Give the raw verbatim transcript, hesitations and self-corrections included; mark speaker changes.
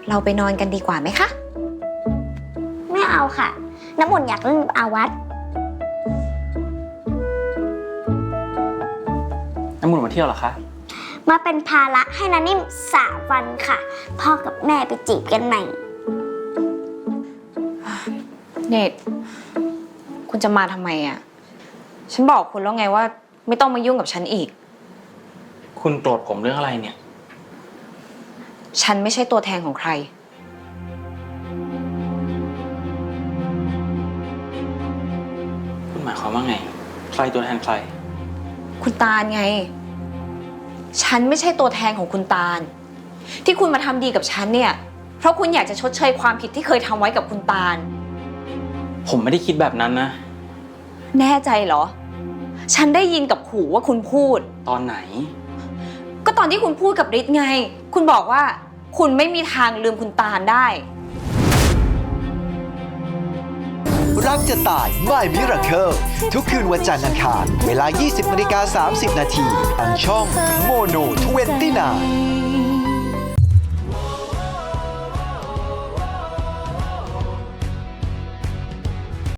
Speaker 1: เราไปนอนกันดีกว่าไหมคะ
Speaker 2: ไม่เอาค่ะน้ำอุ่นอยากเล่นอาวัต
Speaker 3: น้ำมูลมาเที่ยวเหรอคะ
Speaker 2: มาเป็นภาระให้นานิ่มสามวันค่ะพ่อกับแม่ไปจีบกันใหม่
Speaker 1: เนตคุณจะมาทำไมอ่ะฉันบอกคุณแล้วไงว่าไม่ต้องมายุ่งกับฉันอีก
Speaker 3: คุณโกรธผมเรื่องอะไรเนี่ย
Speaker 1: ฉันไม่ใช่ตัวแทนของใคร
Speaker 3: คุณหมายความว่าไงใครตัวแทนใคร
Speaker 1: คุณตาลไงฉันไม่ใช่ตัวแทนของคุณตาลที่คุณมาทำดีกับฉันเนี่ยเพราะคุณอยากจะชดเชยความผิดที่เคยทำไว้กับคุณตาล
Speaker 3: ผมไม่ได้คิดแบบนั้นนะ
Speaker 1: แน่ใจเหรอฉันได้ยินกับหูว่าคุณพูด
Speaker 3: ตอนไหน
Speaker 1: ก็ตอนที่คุณพูดกับฤทธิ์ไงคุณบอกว่าคุณไม่มีทางลืมคุณตาลได้
Speaker 4: รักจะตาย My Miracle ทุกคืนวันจันทร์อังคารเวลา ยี่สิบนาฬิกาสามสิบนาทีทางช่องโมโนยี่สิบเก้า